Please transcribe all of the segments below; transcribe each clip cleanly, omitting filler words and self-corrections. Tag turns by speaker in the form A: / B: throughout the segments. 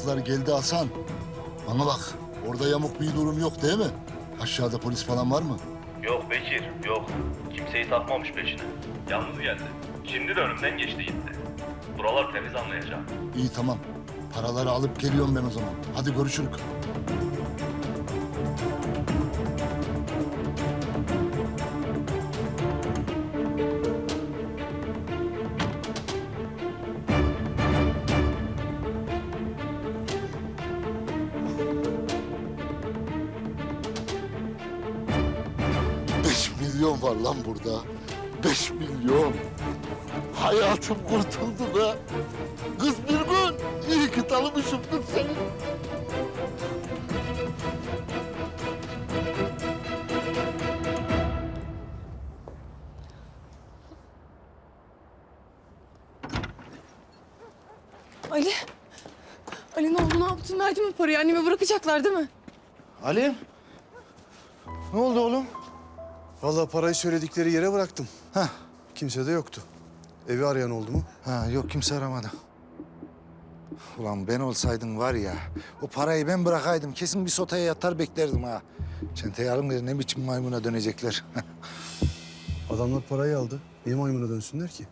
A: evraklar geldi Hasan. Bana bak, orada yamuk bir durum yok değil mi? Aşağıda polis falan var mı?
B: Yok Bekir, yok. Kimseyi takmamış peşine. Yalnız geldi. Şimdi de önümden geçti gitti. Buralar temiz anlayacağım.
A: İyi tamam. Paraları alıp geliyorum ben o zaman. Hadi görüşürüz. Beş milyon var lan burada. 5 milyon. Hayatım kurtuldu be. Kız bir gün iyi ki tanımışımdır seni.
C: Ali. Ali ne oldu, ne yaptın? Verdin mi parayı? Annemi bırakacaklar değil mi?
D: Ali. Ne oldu oğlum?
E: Vallahi parayı söyledikleri yere bıraktım.
D: Heh.
E: Kimse de yoktu. Evi arayan oldu mu?
D: Ha, yok kimse aramadı. Ulan ben olsaydım var ya, o parayı ben bırakaydım. Kesin bir sotaya yatar beklerdim ha. Çenteyi alın ne biçim maymuna dönecekler.
E: Adamlar parayı aldı. Niye maymuna dönsünler ki?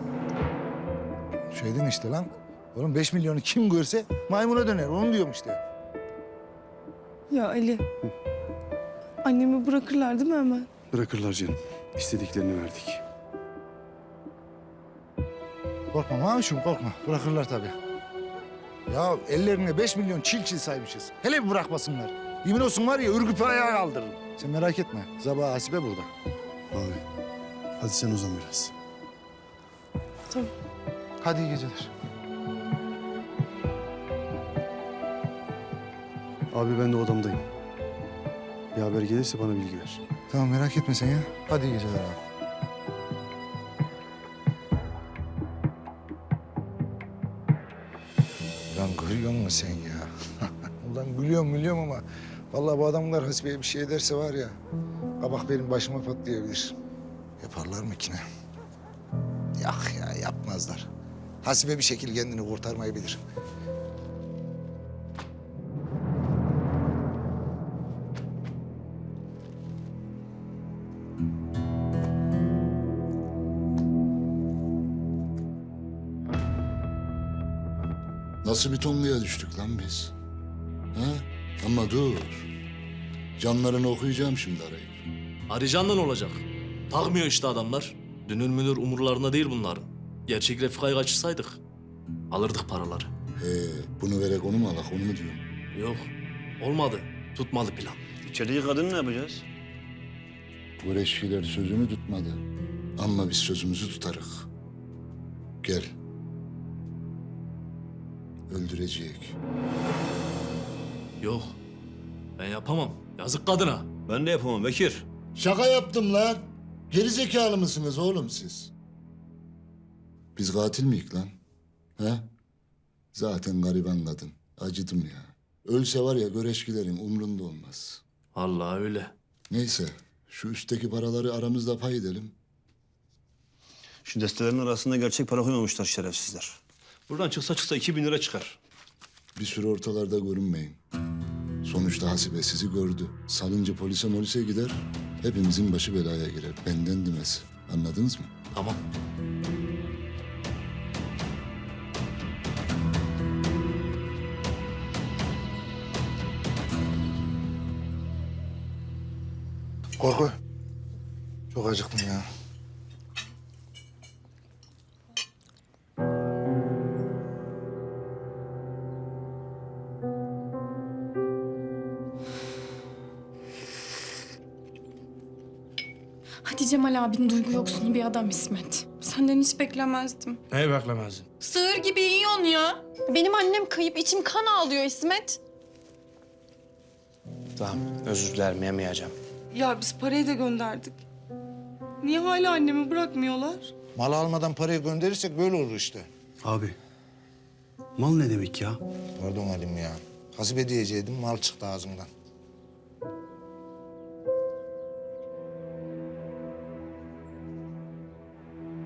D: Şeydin işte lan. Oğlum 5 milyonu kim görse maymuna döner. Onu diyorum işte.
C: Ya Ali. Annemi bırakırlar değil mi hemen?
E: Bırakırlar canım. İstediklerini verdik.
D: Korkma mavişim korkma. Bırakırlar tabii. Ya ellerine 5 milyon çil saymışız. Hele bir bırakmasınlar. Yemin olsun var ya ürküp ayağa kaldırırım. Sen merak etme. Sabah Hasibe burada.
E: Abi. Hadi sen uzan biraz.
C: Tamam.
D: Hadi iyi geceler.
E: Abi ben de odamdayım. Bir haber gelirse bana bilgi ver.
D: Tamam merak etme sen ya. Hadi iyi geceler abi. Ulan görüyor musun sen ya? Ulan gülüyorum ama... vallahi bu adamlar Hasibe'ye bir şey ederse var ya... kabak benim başıma patlayabilir. Yaparlar mı ki ne? Yok ya yapmazlar. Hasibe bir şekilde kendini kurtarmayı bilir.
A: Nasıl bir tonluya düştük lan biz? Ha? Ama dur. Canlarını okuyacağım şimdi arayıp.
F: Arayacağından olacak. Takmıyor işte adamlar. Dünür münür umurlarında değil bunların. Gerçek Refika'yı kaçırsaydık alırdık paraları.
A: Bunu verek onu mu alak onu mu diyorum?
F: Yok, olmadı. Tutmadı plan.
G: İçerideki kadını ne yapacağız?
A: Bu reşkiler sözünü tutmadı. Ama biz sözümüzü tutarık. Gel. Öldürecek.
F: Yok, ben yapamam. Yazık kadına.
G: Ben de yapamam Bekir.
A: Şaka yaptım lan. Geri zekalı mısınız oğlum siz? Biz katil miyik lan? He? Zaten gariban kadın. Acıdım ya. Ölse var ya göreşkilerin umrunda olmaz.
F: Vallahi öyle.
A: Neyse şu üstteki paraları aramızda pay edelim.
G: Şu destelerin arasında gerçek para koymamışlar şerefsizler. Buradan çıksa 2000 lira çıkar.
A: Bir süre ortalarda görünmeyin. Sonuçta Hasibe sizi gördü. Salınca polise gider. Hepimizin başı belaya girer. Benden demesi. Anladınız mı?
F: Tamam.
D: Korku. Çok acıktım ya.
C: Hadi Cemal abin duygu yoksunu bir adam İsmet. Senden hiç beklemezdim.
H: Neyi beklemezdin?
C: Sığır gibi yiyorsun ya. Benim annem kayıp, içim kan ağlıyor İsmet.
H: Tamam, özür dilerim, yemeyeceğim.
I: Ya biz parayı da gönderdik. Niye hala annemi bırakmıyorlar?
D: Mal almadan parayı gönderirsek böyle olur işte.
E: Abi. Mal ne demek ya?
D: Pardon Halim ya. Hasibe diyeceydim mal çıktı ağzımdan.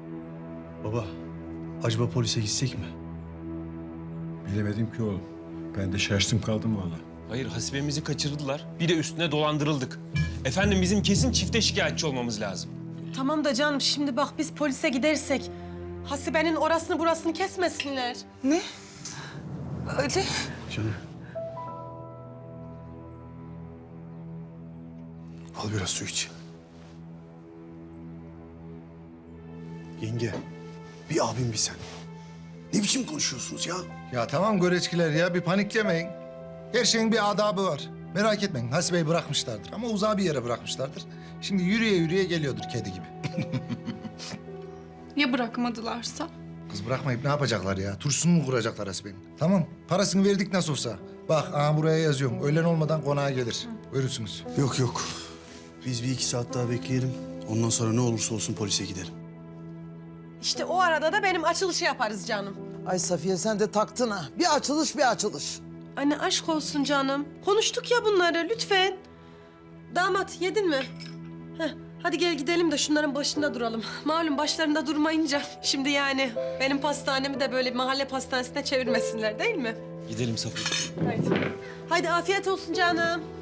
E: Baba. Acaba polise gitsek mi?
J: Bilemedim ki oğlum. Ben de şaştım kaldım vallahi.
K: Hayır, hasibemizi kaçırdılar. Bir de üstüne dolandırıldık. Efendim bizim kesin çifte şikayetçi olmamız lazım.
I: Tamam da canım şimdi bak biz polise gidersek Hasibe'nin orasını burasını kesmesinler.
C: Ne? Ali.
E: Canım. Al biraz su iç. Yenge, bir abim bir sen. Ne biçim konuşuyorsunuz ya?
D: Ya tamam göreçkiler ya bir paniklemeyin. Her şeyin bir adabı var. Merak etmeyin Hasibe'yi bırakmışlardır ama uzağa bir yere bırakmışlardır. Şimdi yürüye yürüye geliyordur kedi gibi.
C: Ya bırakmadılarsa?
D: Kız bırakmayıp ne yapacaklar ya? Turşusunu mu kuracaklar Hasibe'nin? Tamam parasını verdik nasıl olsa. Bak aha buraya yazıyorum. Öğlen olmadan konağa gelir. Görürsünüz.
E: Yok yok. Biz bir 2 saat daha bekleyelim. Ondan sonra ne olursa olsun polise gidelim.
I: İşte o arada da benim açılışı yaparız canım.
L: Ay Safiye sen de taktın ha. Bir açılış bir açılış.
I: Anne aşk olsun canım. Konuştuk ya bunları lütfen. Damat yedin mi? Heh, hadi gel gidelim de şunların başında duralım. Malum başlarında durmayınca şimdi yani benim pastanemi de böyle mahalle pastanesine çevirmesinler değil mi?
K: Gidelim Safiye.
I: Haydi. Haydi afiyet olsun canım.